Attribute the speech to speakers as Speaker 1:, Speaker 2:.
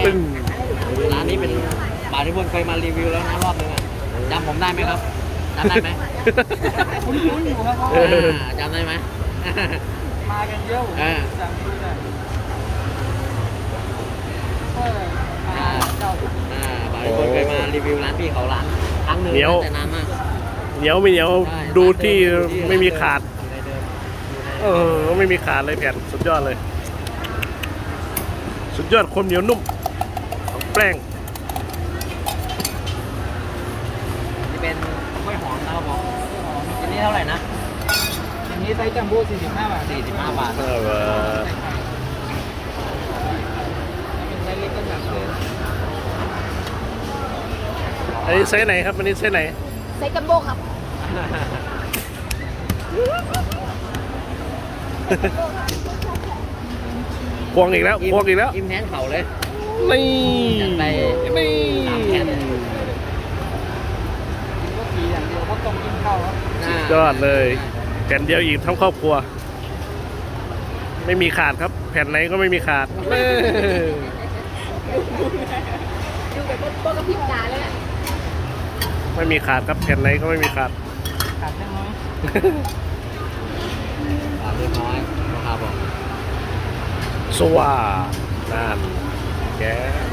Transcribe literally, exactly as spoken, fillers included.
Speaker 1: ปึ้ง
Speaker 2: ร้านนี้เป็นบาร์ที่พวกเคยมารีวิวแล้วนะรอบนึงอ่ะจำผมได้ไหมครับจำได้ไหม
Speaker 3: คุ้นๆอยู่ครับเพราะ
Speaker 1: เอ
Speaker 3: ว่า
Speaker 1: อ
Speaker 2: จำได้ไหม
Speaker 3: มากันเยอะผม
Speaker 2: อ่า
Speaker 3: สั่งดูเลยเออมาเจ้า
Speaker 2: อ่าบาร์ที่พวกเคยมารีวิวร้านพี่เขาร้านครั้งหนึ่ง
Speaker 1: เหนียว
Speaker 2: แต่นานมาก
Speaker 1: เหนียวไม่เหนียว
Speaker 2: ใช่
Speaker 1: ดูที่ไม่มีขาด
Speaker 2: อยู่ในเดิมอยู่ใน
Speaker 1: เออไม่มีขาดเลยแผ่นสุดยอดเลย สุดยอดความเหนียวนุ่มของแป้ง
Speaker 2: นี่เป็นกล้วยหอมนะครับผมอันนี้เท่าไหร่นะ
Speaker 3: อย่างนี้ไซส์จัมโบ้สี่สิบห้าบาท
Speaker 2: สี่สิบห้าบาท
Speaker 1: เออ
Speaker 3: เป็นไซส์เล็กก็แบบเลย
Speaker 1: อันนี้ไซส์ไหนครับอันนี้ไซส์ไหน
Speaker 4: ไซส์จัมโบ้ครับ
Speaker 1: ควงอีกแล้วควงอีกแล้ว
Speaker 2: อิ่มแทนเข่าเลย
Speaker 1: นี่
Speaker 2: จัดไป
Speaker 1: นี่
Speaker 2: สามแผ่น
Speaker 3: ก็ขี่อย่างเดียวเพราะต้องกินข้าวครับ
Speaker 1: สุดยอดเลยแผ่นเดียวอีกทั้งครอบครัว ไม่มีขาดครับ แผ่นไหนก็ไม่มีขาดเออ
Speaker 4: ดูแบบโบ้กับพิมพ์ตาเลยอะ
Speaker 1: ไม่มีขาดครับแผ่นไหนก็ไม่มีขาด
Speaker 3: ขาดเล็กน้อย
Speaker 2: อ่าเล็กน้อยนะครับผม
Speaker 1: สว่านั่นแก